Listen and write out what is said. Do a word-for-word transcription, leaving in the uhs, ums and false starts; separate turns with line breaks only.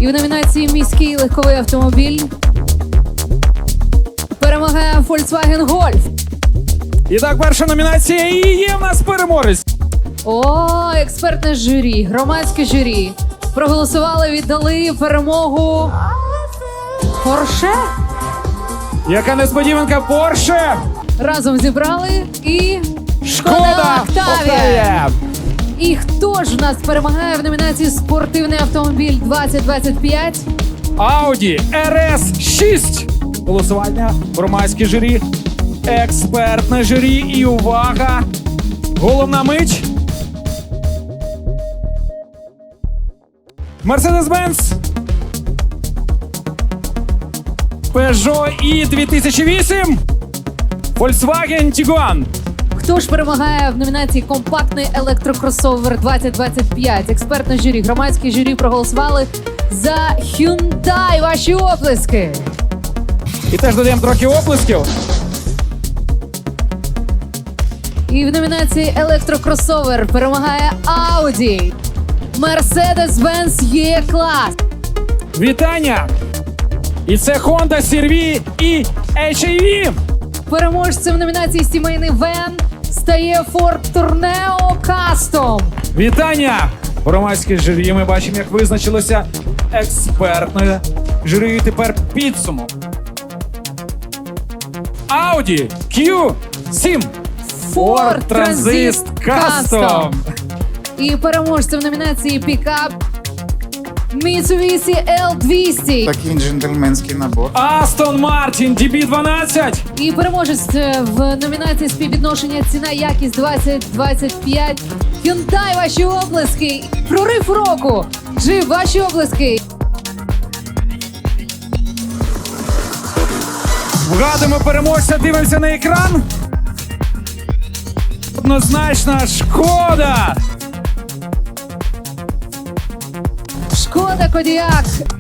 І в номінації «Міський легковий автомобіль» перемагає Volkswagen Golf.
І так, перша номінація і є в нас переможець.
О, експертне журі, громадське журі проголосували, віддали перемогу Porsche.
Яка несподіванка, Porsche.
Разом зібрали і
Шкода Октавія.
І хто ж в нас перемагає в номінації «Спортивний автомобіль двадцять двадцять п'ять»?
Audi ар ес шість. Голосування, громадське журі, експертне журі і увага! Головна мить. Mercedes-Benz Peugeot і дві тисячі вісім. Volkswagen Tiguan.
Хто ж перемагає в номінації «Компактний електрокросовер двадцять двадцять п'ять»? Експертне журі, громадське журі проголосували за Hyundai. Ваші оплески!
І теж додаємо трохи оплесків.
І в номінації електрокросовер перемагає Audi. Mercedes-Benz Є-клас.
Вітання! І це Honda сі ар ві і ейч ай ві.
Переможцем в номінації «Сімейний вен» стає Ford Tourneo Custom.
Вітання! Громадське журі, ми бачимо, як визначилося експертне журі. І тепер підсумок. Audi кью сім. Ford Transit Custom.
І переможцем в номінації «Пікап» Mitsubishi ел двісті.
Такий джентльменський набор.
Aston Martin ді бі дванадцять.
І переможець в номінації «Співвідношення ціна-якість двадцять двадцять п'ять» Hyundai. Ваші оплески. Прорив року. Джип, ваші оплески.
Вгадуємо переможця, дивимося на екран. Однозначно, Шкода.
Шкода Кодіак